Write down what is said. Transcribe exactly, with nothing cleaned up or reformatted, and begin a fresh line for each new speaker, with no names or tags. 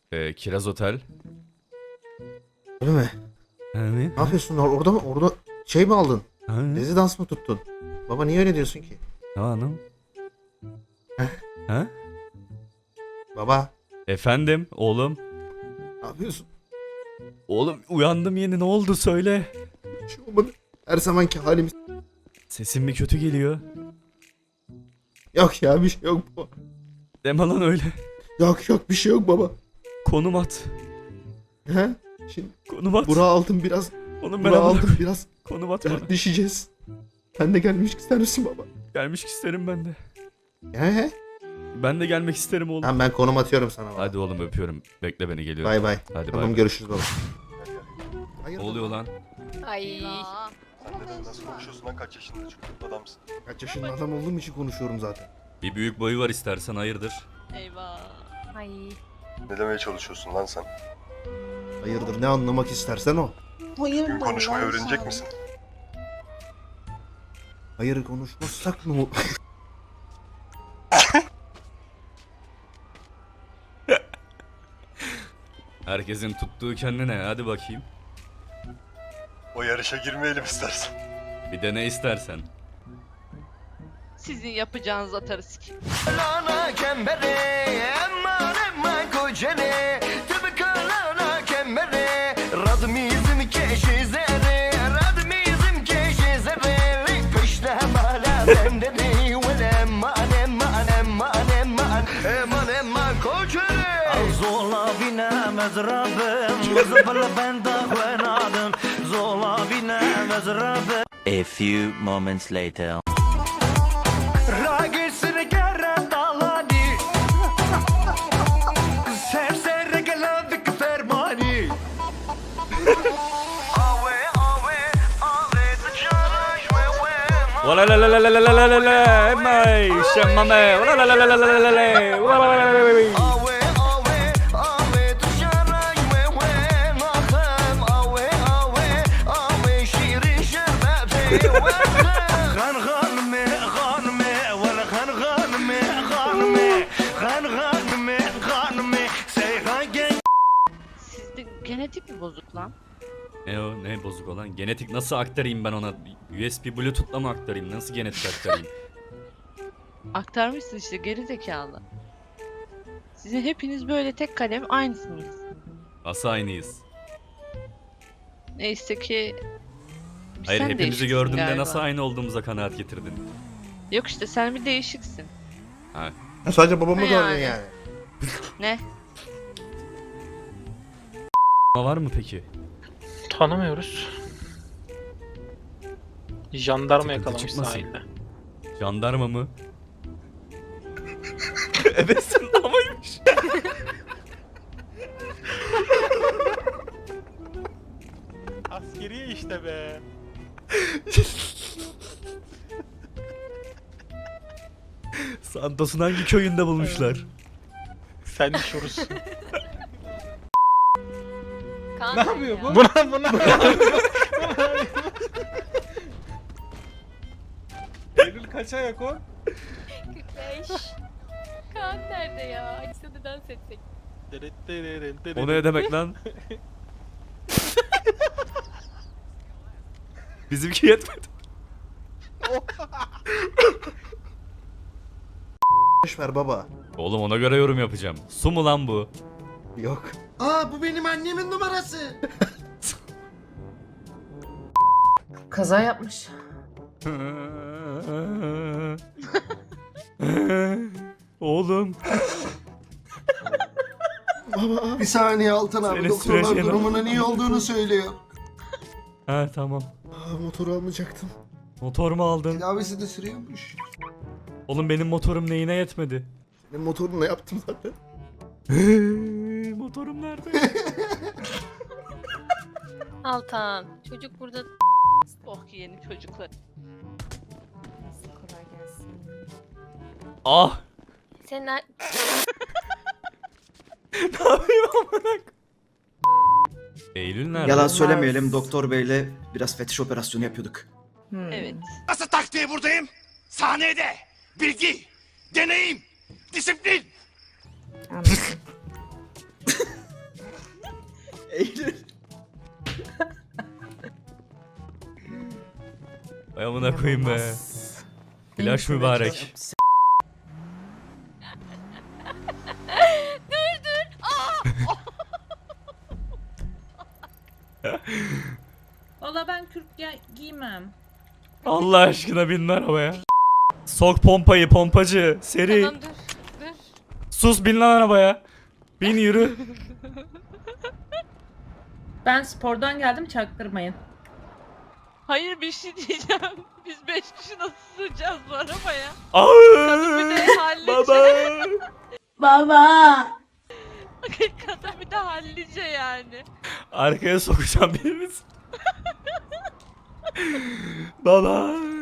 Ee, Kiraz Otel.
Öyle mi?
Evet.
Ne yapıyorsun orada mı? Orada şey mi aldın?
Ha?
Rezidans mı tuttun? Baba niye öyle diyorsun ki?
Ne hanım?
Heh.
Ha?
Baba
Efendim oğlum.
ne yapıyorsun?
Oğlum uyandım yeni, ne oldu söyle.
Bir şey olmadı. Her zamanki halimiz.
Sesin mi kötü geliyor?
Yok ya bir şey yok baba.
Deme lan öyle.
Yok yok bir şey yok baba.
Konum at.
He? Şimdi
Konum at.
Burak'ı aldım biraz.
Oğlum ben
Burak'ı
aldım.
aldım biraz.
Konum at bana.
Dertleşeceğiz. Sen de gelmek ister misin baba?
Gelmek isterim ben de.
He he.
Ben de gelmek isterim oğlum.
Tamam ben konum atıyorum sana baba.
Hadi oğlum öpüyorum. Bekle beni, geliyorum.
Bay bay.
Hadi
Tamam
bay.
görüşürüz baba.
Ne oluyor lan?
Ay.
Sen neden nasıl konuşuyorsun lan, kaç yaşında çocuk adamsın?
Kaç yaşında adam olduğum için konuşuyorum zaten.
Bir büyük boyu var, istersen hayırdır?
Eyvah. Ay.
Ne demeye çalışıyorsun lan sen?
Hayırdır ne anlamak istersen o.
Gün konuşmayı öğrenecek misin?
Hayır konuşmazsak ne olur?
Herkesin tuttuğu kendine, hadi bakayım.
O yarışa girmeyelim istersen.
Bir de ne istersen.
Sizin yapacağınız atarız ki.
Lana kembere, emma emma kocene, tıpkı lana kembere, radmizm keşizere, radmizm keşizere, peşte mala bendere, ve emma emma emma emma emma emma kocene. Zola bina mezrabım, zıbla benda kvenadım, zola bina mezrabım.
A few moments later.
Ragisine kara dalani, sersere geladik fermani. Ave ave ave tçaraş ve ve.
Wala la la la la la la la la la. Emay, şemmame. Wala la la la la la la la la. Wala la la la la la.
Ave ave ave tçaraş ve ve. Maham ave ave ave şirin şerbeti ve. Khan khan me khan me wala khan khan me khan me khan khan me khan me seyhan gen.
Sizde genetik mi bozuk lan?
Ne o, ne bozuk olan? Genetik nasıl aktarayım ben ona? U S B Bluetooth'la mı aktarayım? Nasıl genetik aktarayım?
Aktarmışsın işte, geri zekalı. Sizin hepiniz böyle tek kalem aynısınız.
Nasıl aynıyız?
Neyse ki...
Hayır,
sen
hepimizi
değişiksin
gördüğümde
galiba.
nasıl aynı olduğumuza kanaat getirdin?
Yok işte, sen bir değişiksin.
Ha.
Ha, sadece babamı
Ne
gördün
yani?
yani.
Ne?
Var mı peki?
Tanımıyoruz. Jandarma
Sıkıntı
yakalamış
çıkmasın.
sahilde.
Jandarma mı? Ebesin amaymış.
Askeriye işte be.
Santos'un hangi köyünde bulmuşlar?
Sen şurusun.
Ne yapıyor bu?
Buna buna.
Eylül kaç ayak o?
kırk beş. Kaan nerede ya? Açsa da dans etsek.
O ne demek lan? Bizimki yetmedi.
Boş ver baba.
Oğlum ona göre yorum yapacağım. Su mu lan bu?
Yok.
Aa bu benim annemin numarası.
Kaza yapmış.
Oğlum.
Bir saniye Altan abi,
Seni
doktorlar
süreceğim.
durumunun iyi olduğunu söylüyor.
Ha tamam.
Aa, motoru almayacaktım.
Motor mu aldın?
Tedavisi de sürüyormuş.
Oğlum benim motorum neyine yetmedi?
Benim motorumla yaptım zaten.
Motorum nerede?
Altan. Çocuk burada.
Oh ki yeni çocuklar.
Kolay gelsin.
Ah!
Sen ne?
Ne yapayım amına? Eylül nerede?
Yalan söylemeyelim, doktor beyle biraz fetiş operasyonu yapıyorduk.
Evet.
Nasıl taktiği buradayım? Sahnede. Bilgi, deneyim, disiplin.
Anladım.
Eylül.
Ay amına koyayım be. Flash mübarek.
Valla ben kürk giymem.
Allah aşkına bin arabaya. Sok pompayı pompacı. Seri.
Tamam dur dur.
Sus bin lan arabaya. Bin yürü.
Ben spordan geldim, çaktırmayın.
Hayır bir şey diyeceğim. Biz beş kişi nasıl sığacağız bu arabaya?
Kadın
bir de hallice.
Baba.
Baba.
Kadın bir de hallice yani.
Arkaya sokacağım birimiz. Baba.